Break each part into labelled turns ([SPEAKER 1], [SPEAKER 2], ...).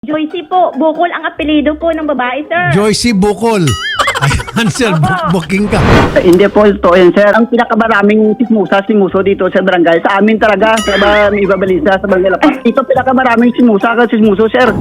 [SPEAKER 1] Joycey po, Bukol ang apelido po ng babae, sir.
[SPEAKER 2] Joycey Bukol. Ayan, sir, booking ka.
[SPEAKER 3] Hindi po ito yan, sir. Ang pinakamaraming sismuso dito sa barangay. Sa amin talaga, sa Ibabalisa, sa Barangay Lapas. Ito pinakamaraming sismuso, sir.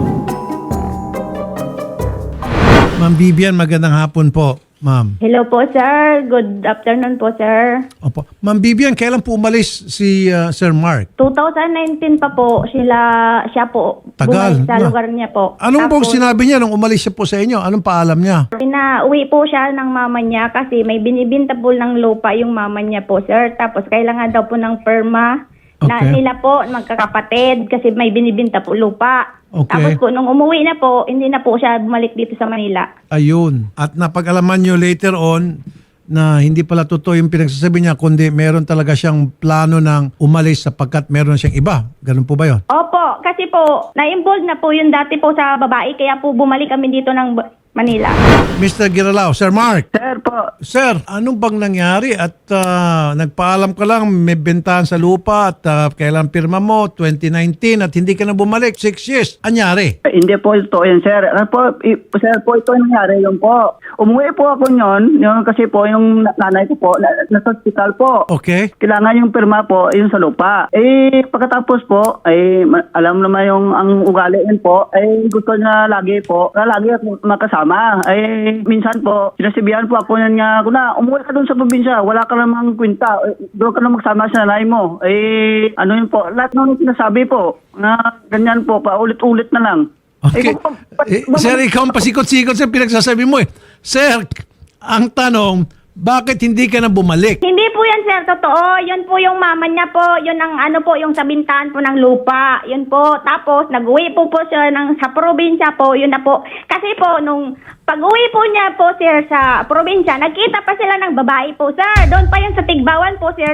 [SPEAKER 2] Ma'am Vivian, magandang hapon po, ma'am.
[SPEAKER 1] Hello po, sir. Good afternoon po, sir.
[SPEAKER 2] Opo. Ma'am Vivian, kailan po umalis si Sir Mark?
[SPEAKER 1] 2019 pa po, siya po
[SPEAKER 2] Tagal
[SPEAKER 1] bumalik sa
[SPEAKER 2] na.
[SPEAKER 1] lugar niya po.
[SPEAKER 2] Anong pong
[SPEAKER 1] Tapos,
[SPEAKER 2] sinabi niya nung umalis siya po sa inyo? Anong paalam niya?
[SPEAKER 1] Pinauwi po siya ng mama niya kasi may binibinta po ng lupa yung mama niya po, sir. Tapos kailangan daw po ng perma na
[SPEAKER 2] Okay.
[SPEAKER 1] nila po, magkakapatid, kasi may binibinta po lupa.
[SPEAKER 2] Okay.
[SPEAKER 1] Tapos po, nung umuwi na po, hindi na po siya bumalik dito sa Manila.
[SPEAKER 2] Ayun. At napag-alaman nyo later on na hindi pala totoo yung pinagsasabi niya, kundi meron talaga siyang plano ng umalis sapagkat meron siyang iba. Ganun po ba yun?
[SPEAKER 1] Opo, kasi po, na-involve na po yung dati po sa babae, kaya po bumalik kami dito ng Manila.
[SPEAKER 2] Mr. Giralao, Sir Mark.
[SPEAKER 3] Sir po.
[SPEAKER 2] Sir, anong bang nangyari at nagpaalam ka lang may bentahan sa lupa at kailan pirma mo 2019 at hindi ka na bumalik 6 years. Anyari?
[SPEAKER 3] Hindi po ito yan, sir. Sir po, ito yung nangyari yun po. Umuwi po ako yun kasi po yung nanay ko po, nasa hospital po.
[SPEAKER 2] Okay.
[SPEAKER 3] Kailangan yung pirma po, yung sa lupa. Pagkatapos po, alam naman yung ang ugali yun po, gusto niya lagi po, na lagi makasama. Minsan po, sinasabihan po ako niya, umuwi ka doon sa probinsya, wala ka namang kwenta, doon ka na magsama sa nanay mo. Ano yun po, lahat ng sinasabi po, na ganyan po, paulit-ulit na lang.
[SPEAKER 2] Okay. Sir, ikaw ang pasikot-sikot sa pinagsasabi mo eh. Sir, ang tanong, bakit hindi ka na bumalik?
[SPEAKER 1] Hindi po yan, sir. Totoo. Yun po yung mama niya po. Yun ang yung sa bintahan po ng lupa. Yun po. Tapos, nag-uwi po siya sa probinsya po. Yun na po. Kasi po, nung pag-uwi po niya po, sir, sa probinsya, nagkita pa sila ng babae po, sir. Doon pa yun sa Tigbawan po, sir,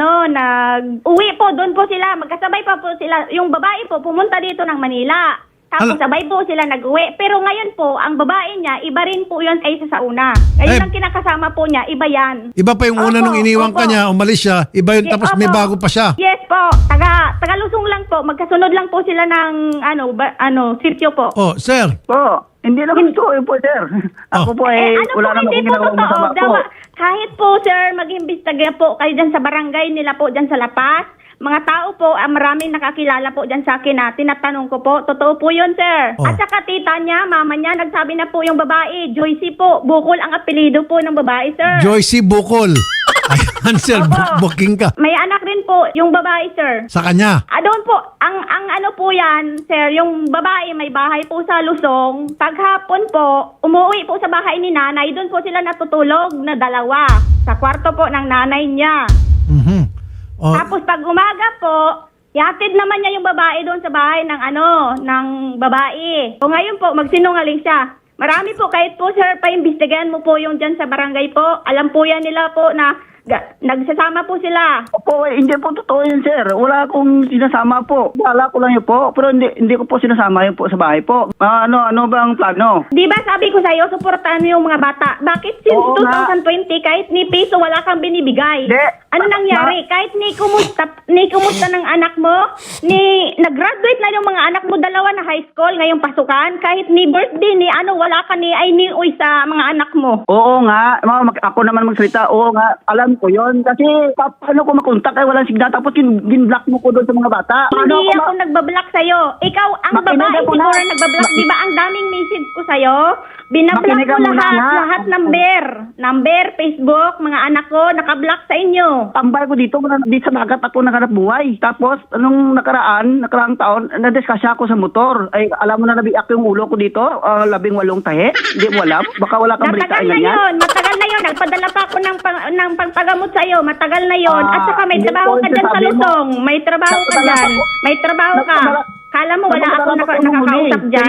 [SPEAKER 1] nag-uwi po. Doon po sila. Magkasabay pa po sila. Yung babae po, pumunta dito ng Manila. Tapos sabay po sila nag-uwi. Pero ngayon po, ang babae niya, iba rin po yun kaysa sa una. Ngayon ang kinakasama po niya, iba yan.
[SPEAKER 2] Iba pa yung una
[SPEAKER 1] Opo,
[SPEAKER 2] nung iniwan ka
[SPEAKER 1] opo.
[SPEAKER 2] niya, umalis siya, iba yun tapos may
[SPEAKER 1] Opo.
[SPEAKER 2] bago pa siya.
[SPEAKER 1] Yes po. Taga-Lusong lang po. Magkasunod lang po sila ng sitio po.
[SPEAKER 2] Oh, sir.
[SPEAKER 3] Po, hindi naman ito po, sir. Ako po wala naman
[SPEAKER 1] hindi
[SPEAKER 3] akong
[SPEAKER 1] po
[SPEAKER 3] ginawang masama po.
[SPEAKER 1] Kahit po, sir, mag-imbestiga po kayo dyan sa barangay nila po dyan sa Lapas. Mga tao po, maraming nakakilala po dyan sa akin na tinatanong ko po. Totoo po yun, sir.
[SPEAKER 2] Oh.
[SPEAKER 1] At saka tita niya, mama niya, nagsabi na po yung babae. Joycey po, Bukol ang apelido po ng babae, sir.
[SPEAKER 2] Joycey Bukol. Ayan, sir,
[SPEAKER 1] Opo.
[SPEAKER 2] booking ka.
[SPEAKER 1] May anak rin po yung babae, sir.
[SPEAKER 2] Sa kanya.
[SPEAKER 1] Doon po, ang ano po yan, sir, yung babae may bahay po sa Lusong. Paghapon po, umuwi po sa bahay ni nanay, doon po sila natutulog na dalawa. Sa kwarto po ng nanay niya.
[SPEAKER 2] Mhm. Oh,
[SPEAKER 1] Tapos pag umaga po, yatid naman niya yung babae doon sa bahay ng babae. O ngayon po, magsinungaling siya. Marami po, kahit po, sir, paimbestigahan mo po yung dyan sa barangay po. Alam po yan nila po na nagsasama po sila.
[SPEAKER 3] Opo, hindi po totoo yun, sir. Wala akong sinasama po. Wala ko lang yun po. Pero hindi ko po sinasama yun po sa bahay po. Ano bang plano?
[SPEAKER 1] Di ba sabi ko sa'yo, suportahan mo yung mga bata. Bakit since
[SPEAKER 3] Oo nga.
[SPEAKER 1] 2020, kahit ni piso wala kang binibigay?
[SPEAKER 3] Hindi.
[SPEAKER 1] Ano nangyari? Kahit ni kumusta ng anak mo, nag-graduate na yung mga anak mo, dalawa na high school, ngayong pasukan, kahit ni birthday, wala ka ni uy sa mga anak mo.
[SPEAKER 3] Oo nga. Ako naman magsalita. Oo nga. Alam ko yun. Kasi paano ko makontak walang signal. Tapos gin-block mo ko doon sa mga bata.
[SPEAKER 1] Hindi ako nagbablock sa'yo. Ikaw, ang
[SPEAKER 3] Makinig
[SPEAKER 1] babae
[SPEAKER 3] ako
[SPEAKER 1] siguro
[SPEAKER 3] na.
[SPEAKER 1] nagbablock. Di ba ang daming message ko sa'yo? Binablock
[SPEAKER 3] Makinig
[SPEAKER 1] ko
[SPEAKER 3] ka muna, ha?
[SPEAKER 1] lahat number, Facebook, mga anak ko, nakablock sa inyo.
[SPEAKER 3] Tambay ko dito sa dagat ako naganap buhay. Tapos, anong nakaraang taon, na-discuss ako sa motor. Alam mo na nabiak yung ulo ko dito, 18 tahe. Hindi mo alam? Baka wala kang
[SPEAKER 1] Matagal
[SPEAKER 3] balitaan
[SPEAKER 1] na
[SPEAKER 3] yan.
[SPEAKER 1] yun. Nagpadala pa ako ng pagpagamot sa'yo. Matagal na yun. At saka may
[SPEAKER 3] hindi
[SPEAKER 1] trabaho
[SPEAKER 3] po,
[SPEAKER 1] ka dyan sa
[SPEAKER 3] sabi mo.
[SPEAKER 1] Lusong. May trabaho ka dyan. May trabaho ka. Kala mo wala ako nakakausap dyan.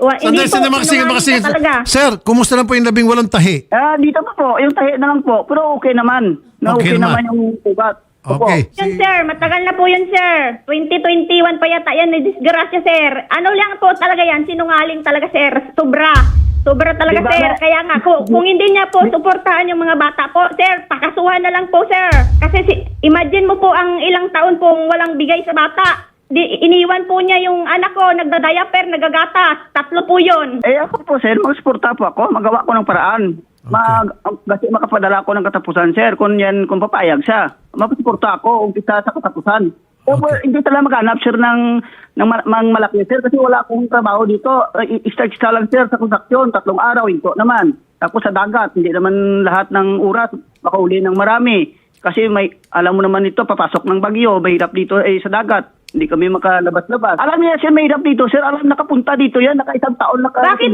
[SPEAKER 2] Sandali,
[SPEAKER 1] Sinungaling ka talaga.
[SPEAKER 2] Sir, kumusta na po yung 18 tahi?
[SPEAKER 3] Dito po, yung tahe na lang po. Pero okay naman.
[SPEAKER 2] Okay
[SPEAKER 3] Okay
[SPEAKER 2] naman.
[SPEAKER 3] naman yung ugat. Opo.
[SPEAKER 2] Okay.
[SPEAKER 1] Yun, sir. Matagal na po yun, sir. 2021 pa yata yan. Disgrasya, sir. Ano lang po talaga yan? Sinungaling talaga, sir. Sobra talaga,
[SPEAKER 3] Diba,
[SPEAKER 1] sir. Kaya nga, kung hindi niya po suportahan yung mga bata po, sir, pakasuhan na lang po, sir. Kasi imagine mo po ang ilang taon pong walang bigay sa bata. iniwan po niya yung anak ko, nagdadiaper, nagagatas. 3 po yun.
[SPEAKER 3] Ako po, sir, magsuporta po ako. Magawa ko ng paraan. Kasi makapadala ko ng katapusan, sir. Kung papayag siya. Magsuporta ako, umpisa sa katapusan. Hindi talaga maghanap, sir, ng malaki, sir. Kasi wala akong trabaho dito. Start lang, sir, sa konstruksyon. 3 araw, ito naman. Tapos sa dagat, hindi naman lahat ng oras makauli ng marami. Kasi alam mo naman ito, papasok ng bagyo, mahirap dito sa dagat. Hindi kami makalabas-labas. Alam niya, sir, mahirap dito, sir. Alam, nakapunta dito yan, naka-1 taon
[SPEAKER 1] Bakit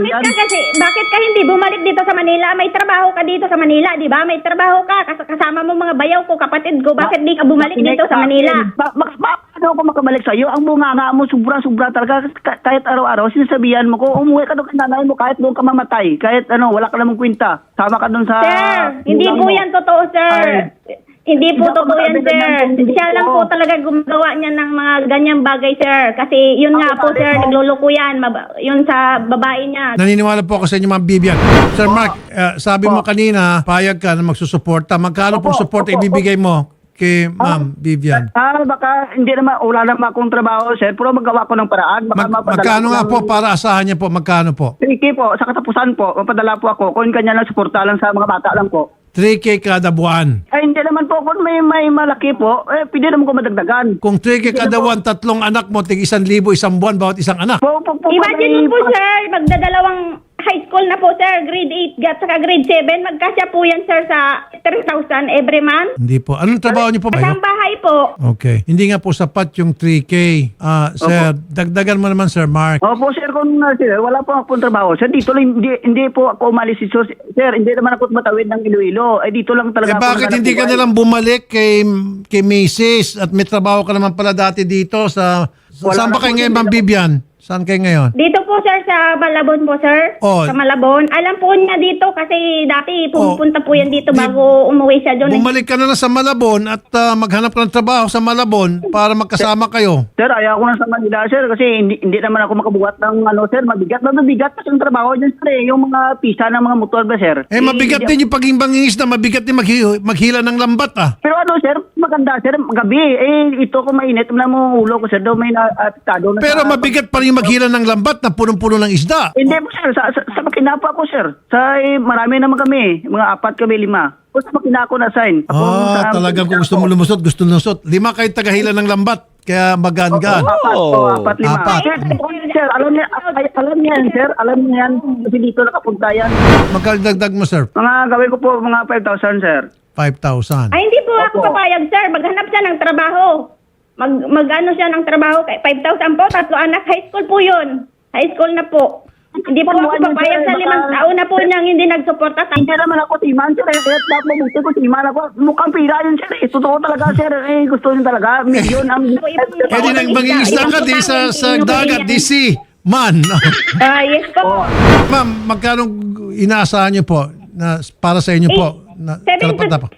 [SPEAKER 1] ka hindi bumalik dito sa Manila? May trabaho ka dito sa Manila, di ba? May trabaho ka, kasama mo mga bayaw ko, kapatid ko. Bakit di ka bumalik dito sa Manila?
[SPEAKER 3] Paano ako makabalik sa'yo? Ang bunganga mo, sobra-sobra talaga. Kahit araw-araw, sinasabihan mo ko, umuwi ka doon kay nanay mo, kahit doon ka mamatay. Kahit wala ka namang kwenta. Sama ka doon sa...
[SPEAKER 1] Sir, hindi po yan totoo, sir. Hindi po totoo yan, sir. Siya lang po talaga gumagawa niya ng mga ganyang bagay, sir. Kasi yun nga po, sir, nagluloko yan. Yun sa babae niya.
[SPEAKER 2] Naniniwala po ako sa inyo, Ma'am Vivian. Sir Mark, sabi mo kanina, payag ka na magsusuporta. Magkano pong suporta ibibigay mo kay Ma'am Vivian?
[SPEAKER 3] Baka hindi naman, wala naman akong trabaho, sir. Pero magawa ko ng paraan.
[SPEAKER 2] Magkano nga po para asahan niya po? Magkano po?
[SPEAKER 3] 3K po, sa katapusan po, mapadala po ako. Kung kanya lang suporta lang sa mga bata lang po.
[SPEAKER 2] 3K kada buwan.
[SPEAKER 3] Ay, hindi naman po. Kung may malaki po, pwede naman ko madagdagan.
[SPEAKER 2] Kung 3K kada buwan, 3 anak mo, tig 1,000 isang buwan bawat isang anak.
[SPEAKER 1] Imagine mo po, sir, magdadalawang high school na po, sir, grade 8 at saka grade 7. Magkasya po yan, sir, sa 3,000 every month.
[SPEAKER 2] Hindi po. Anong trabaho niyo po?
[SPEAKER 1] Kasang bahay po.
[SPEAKER 2] Okay. Hindi nga po sapat yung 3K. Sir, dagdagan mo naman, Sir Mark.
[SPEAKER 3] Opo, sir, kung sir, wala po akong trabaho. Sir, dito lang, hindi po ako umalis. Sir, hindi naman ako matawid ng Iloilo. Dito lang talaga
[SPEAKER 2] Bakit hindi ka nalang bumalik kay Mrs. at may trabaho ka naman pala dati dito sa... Saan ba kayo ngayon, Ma'am Vivian? Saan kayo ngayon?
[SPEAKER 1] Dito po, sir, sa Malabon po, sir.
[SPEAKER 2] Oh.
[SPEAKER 1] Sa Malabon. Alam po niya dito kasi dati pupunta po yan dito bago umuwi siya doon.
[SPEAKER 2] Bumalik ka na lang sa Malabon at maghanap ka ng trabaho sa Malabon para magkasama kayo.
[SPEAKER 3] Sir, ayaw ko na sa Manila, sir, kasi hindi naman ako makabuhat ng sir, mabigat kasi yung trabaho dyan, sir, yung mga pisa ng mga motor ba, sir?
[SPEAKER 2] Mabigat din yung pagiging bangingis na mabigat din maghila ng lambat,
[SPEAKER 3] Pero sir, maganda, sir, gabi, ito ko mainit, wala mo ulo ko, sir, daw may atado na.
[SPEAKER 2] Pero mabigat pa rin maghila ng lambat na punong-puno ng isda.
[SPEAKER 3] Hindi po, sir, sa makina po ako, sir. Marami naman kami, mga 4 kami, 5. O sa makina ako na-sign.
[SPEAKER 2] Talagang kung gusto mo lumusot, gusto lumusot. 5 kayo tagahila ng lambat. Kaya magaan-gaan.
[SPEAKER 3] 4, 5. Sir, alam niya yan. Kasi dito nakapunta yan.
[SPEAKER 2] Magkano dagdag mo, sir?
[SPEAKER 3] Mga gawin ko po, mga 5,000, sir.
[SPEAKER 2] 5,000.
[SPEAKER 1] Ay, hindi po ako papayag, sir. Maghanap siya ng trabaho. Mag-ano siya ng trabaho kay 5,000 po. 3 anak. High school po yun. High school na po. Hindi po ako papayag sa 5 taon na po niyang hindi nagsuporta.
[SPEAKER 3] Hindi naman ako timan, sir. Dapat mabuti ko timan ako. Mukhang pira yun, sir. Totoo talaga, sir. Gusto yun talaga. Milyon ang...
[SPEAKER 2] Di nang mangingisda ka, di sa dagat, di si man.
[SPEAKER 1] Yes po.
[SPEAKER 2] Ma'am, magkano inaasahan niyo po na para sa inyo po?
[SPEAKER 1] 7,000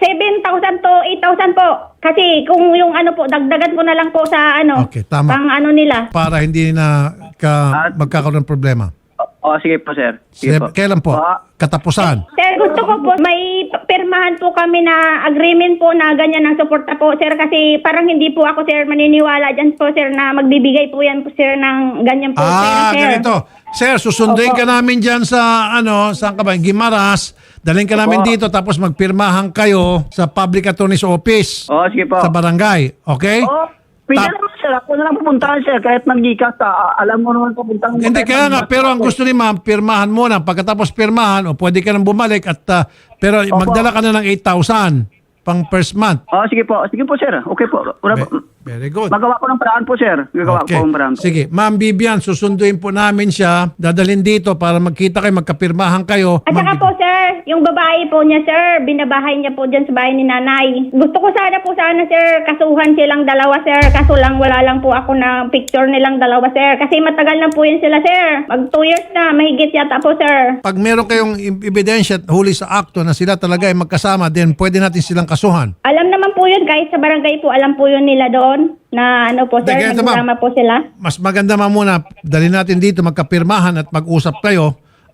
[SPEAKER 1] to 8,000 po. Kasi kung yung po, dagdagan ko na lang po sa
[SPEAKER 2] Okay, tama.
[SPEAKER 1] pang nila.
[SPEAKER 2] Para hindi na magkakaroon ng problema.
[SPEAKER 3] Sige po, sir. Sige po.
[SPEAKER 2] Kailan po? Katapusan.
[SPEAKER 1] Sir, gusto ko po, may pirmahan po kami na agreement po na ganyan ng suporta po, sir. Kasi parang hindi po ako, sir, maniniwala dyan po, sir, na magbibigay po yan po, sir, ng ganyan po, sir.
[SPEAKER 2] Ganito. Sir, susunduin ka namin dyan sa, saan ka ba? Gimaras. Dalhin ka namin dito tapos magpirmahan kayo sa Public Attorney's Office.
[SPEAKER 3] Sige po.
[SPEAKER 2] Sa barangay. Okay?
[SPEAKER 3] Pwede naman, sir. Ako na lang pupuntahan, sir. Kahit mag-gikas, alam mo naman pupuntahan.
[SPEAKER 2] Hindi, kaya nga. Pero ang gusto ni ma'am, pirmahan muna. Pagkatapos pirmahan, pwede ka nang bumalik. Pero magdala ka na ng 8,000 pang first month.
[SPEAKER 3] Sige po. Sige po, sir. Okay po.
[SPEAKER 2] Very good.
[SPEAKER 3] Magawa ko ng paraan po, sir. Gagawa ko ng paraan po.
[SPEAKER 2] Sige. Ma'am Vivian, susunduin po namin siya. Dadalhin dito para magkita kayo, magkapirmahan kayo.
[SPEAKER 1] At saka po, sir, yung babae po niya, sir, binabahay niya po dyan sa bahay ni nanay. Gusto ko sana, sir, kasuhan silang dalawa, sir. Kaso lang, wala lang po ako na picture nilang dalawa, sir. Kasi matagal na po yun sila, sir. Mag 2 years na, mahigit yata po, sir.
[SPEAKER 2] Pag meron kayong ebidensya at huli sa akto na sila talaga ay magkasama, then pwede natin silang kasuhan.
[SPEAKER 1] Alam naman po yun, kahit sa barangay po, alam po yun nila doon na po, sir, nagsama po sila.
[SPEAKER 2] Mas maganda muna, dali natin dito, magkapirmahan at mag-usap kayo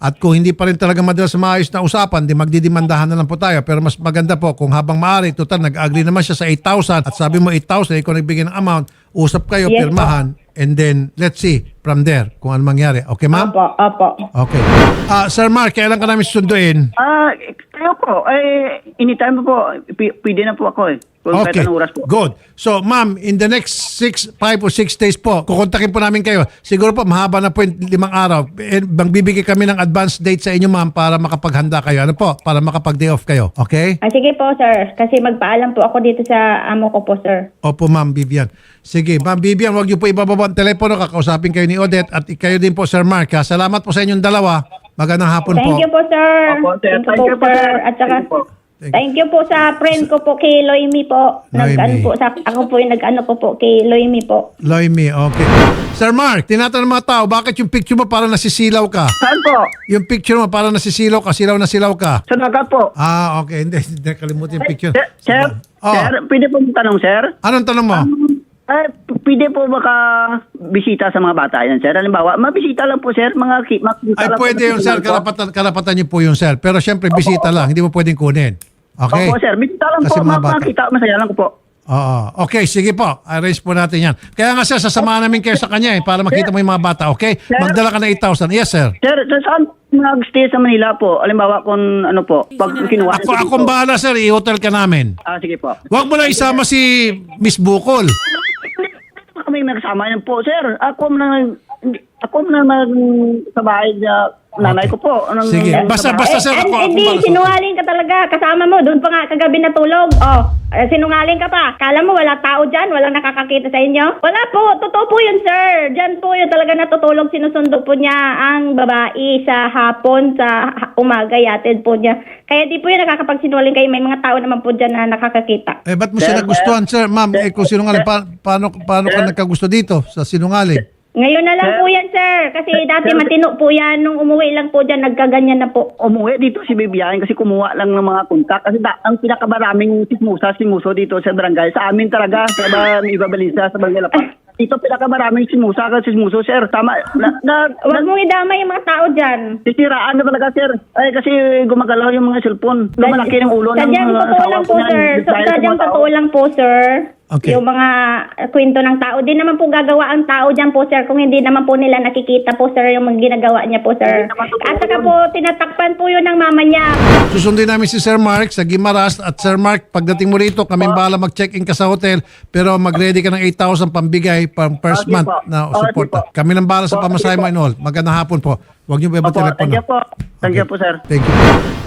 [SPEAKER 2] At kung hindi pa rin talaga madalas sa maayos na usapan, di magdidimandahan na lang po tayo. Pero mas maganda po kung habang maaari, total, nag-agree naman siya sa 8,000 at sabi mo 8,000, ikaw nagbigay ng amount, usap kayo,
[SPEAKER 1] Yes,
[SPEAKER 2] pirmahan, and then let's see from there kung ano mangyari. Okay, ma'am?
[SPEAKER 1] Opo.
[SPEAKER 2] Okay. Sir Mark, kailan ka namin susunduin?
[SPEAKER 3] Kayo po, anytime po, pwede na po ako Kung kahit
[SPEAKER 2] Okay,
[SPEAKER 3] anong oras po.
[SPEAKER 2] good. So, ma'am, in the next 5 or 6 days po, kukontakin po namin kayo. Siguro po, mahaba na po yung 5 araw. Bibigay kami ng advance date sa inyo, ma'am, para makapaghanda kayo. Ano po? Para makapag-day off kayo. Okay?
[SPEAKER 1] Sige po, sir. Kasi magpaalam po ako dito sa amo ko po, sir.
[SPEAKER 2] Opo, ma'am Vivian. Sige, ma'am Vivian, huwag niyo po ibababa ang telepono. Kakausapin kayo ni Odette at kayo din po, Sir Mark. Ha? Salamat po sa inyong dalawa. Magandang hapon po.
[SPEAKER 1] Thank you po, sir.
[SPEAKER 3] Opo, sir.
[SPEAKER 1] Thank you po, sir. At saka,
[SPEAKER 3] Thank you po.
[SPEAKER 1] thank you po sa friend ko po kay Loimi po.
[SPEAKER 2] Loimi.
[SPEAKER 1] Ako po yung nag-ano ko po kay Loimi po.
[SPEAKER 2] Loimi, okay. Sir Mark, tinatanong ng mga tao, bakit yung picture mo parang nasisilaw ka?
[SPEAKER 3] Saan po?
[SPEAKER 2] Yung picture mo parang nasisilaw ka, silaw na silaw ka.
[SPEAKER 3] Sa dagat po.
[SPEAKER 2] Okay. Hindi, nakalimutan yung picture.
[SPEAKER 3] Sir,
[SPEAKER 2] Oh.
[SPEAKER 3] sir, pwede po tanong, sir?
[SPEAKER 2] Anong tanong mo?
[SPEAKER 3] Pwede po baka bisita sa mga bata yan, sir? Halimbawa, mabisita lang po, sir. Makikita
[SPEAKER 2] Ay,
[SPEAKER 3] lang po
[SPEAKER 2] pwede
[SPEAKER 3] sa
[SPEAKER 2] yun, sir.
[SPEAKER 3] signal po.
[SPEAKER 2] Karapatan niyo po yun, sir. Pero syempre, bisita lang. Hindi mo pwedeng kunin. Okay?
[SPEAKER 3] Opo, sir. Bisita lang
[SPEAKER 2] Kasi
[SPEAKER 3] po.
[SPEAKER 2] mga bata.
[SPEAKER 3] Makita, masaya lang ko po.
[SPEAKER 2] Oo. Okay, sige po. Arrange po natin yan. Kaya nga, sir, sasamahan namin kayo sa kanya para makita mo yung mga bata. Okay?
[SPEAKER 3] Sir?
[SPEAKER 2] Magdala ka ng 8,000. Yes, sir.
[SPEAKER 3] Sir, saan mag-stay sa Manila po? Halimbawa, kung ano po, pag kinuha.
[SPEAKER 2] Akong bahala, sir. I-hotel ka namin.
[SPEAKER 3] Sige po.
[SPEAKER 2] Huwag mo na isama si Miss Bukol.
[SPEAKER 3] Kami magkasama yan po, sir. Ako na sa bahay na nanay ko po.
[SPEAKER 2] Sige. Basta, sir.
[SPEAKER 1] Hindi, sinungaling ka talaga. Kasama mo, doon pa nga kagabi natulog. Sinungaling ka pa. Kala mo wala tao dyan? Walang nakakakita sa inyo? Wala po. Totoo po yun, sir. Dyan po yun talaga natutulog. Sinusundo po niya ang babae sa hapon, sa umaga, yatid po niya. Kaya di po yun nakakapagsinungaling kayo. May mga tao naman po dyan na nakakakita.
[SPEAKER 2] Ba't mo siya nagustuhan, sir? Ma'am, kung sinungaling, paano ka nagkagusto dito sa sinungaling?
[SPEAKER 1] Ngayon na lang po yan, sir. Kasi dati matino po yan. Nung umuwi lang po dyan, nagkaganyan na po.
[SPEAKER 3] Umuwi dito si Bibiyahin kasi kumuha lang ng mga kontak. Kasi ang pinakamaraming simuso dito sa barangay. Sa amin talaga, sa Ibabalisa, sa Barangay Lapas. Dito pinakamaraming simuso, sir. Tama.
[SPEAKER 1] Huwag mong idamay yung mga tao dyan.
[SPEAKER 3] Sisiraan na talaga, sir. Ay, kasi gumagalaw yung mga cellphone. Lumalaki ng ulo ng
[SPEAKER 1] Sadyang totoo
[SPEAKER 3] asawa
[SPEAKER 1] lang
[SPEAKER 3] ko
[SPEAKER 1] po,
[SPEAKER 3] niyan.
[SPEAKER 1] sir.
[SPEAKER 3] Dahil sa
[SPEAKER 1] Sadyang
[SPEAKER 3] mga tao.
[SPEAKER 1] totoo lang po, sir.
[SPEAKER 2] Okay.
[SPEAKER 1] Yung mga kwento ng tao. Di naman po gagawa ang tao dyan po, sir. Kung hindi naman po nila nakikita po, sir, yung mga ginagawa niya po, sir.
[SPEAKER 3] Hindi naman totoo
[SPEAKER 1] At saka
[SPEAKER 3] yun.
[SPEAKER 1] po, tinatakpan po yun ng mama niya.
[SPEAKER 2] Susundin namin si Sir Mark sa Gimaras at Sir Mark, pagdating mo rito, kaming bahala mag-check-in ka sa hotel pero mag-ready ka ng 8,000 pambigay pang first
[SPEAKER 3] Okay
[SPEAKER 2] month
[SPEAKER 3] po.
[SPEAKER 2] na
[SPEAKER 3] Okay
[SPEAKER 2] support.
[SPEAKER 3] po.
[SPEAKER 2] Kami ng bahala sa
[SPEAKER 3] Okay
[SPEAKER 2] pamasahe mo
[SPEAKER 3] po.
[SPEAKER 2] and all. Magandang hapon po. Huwag niyo ba
[SPEAKER 3] Opo,
[SPEAKER 2] telepono?
[SPEAKER 3] thank you po. Thank you po, sir.
[SPEAKER 2] Thank you.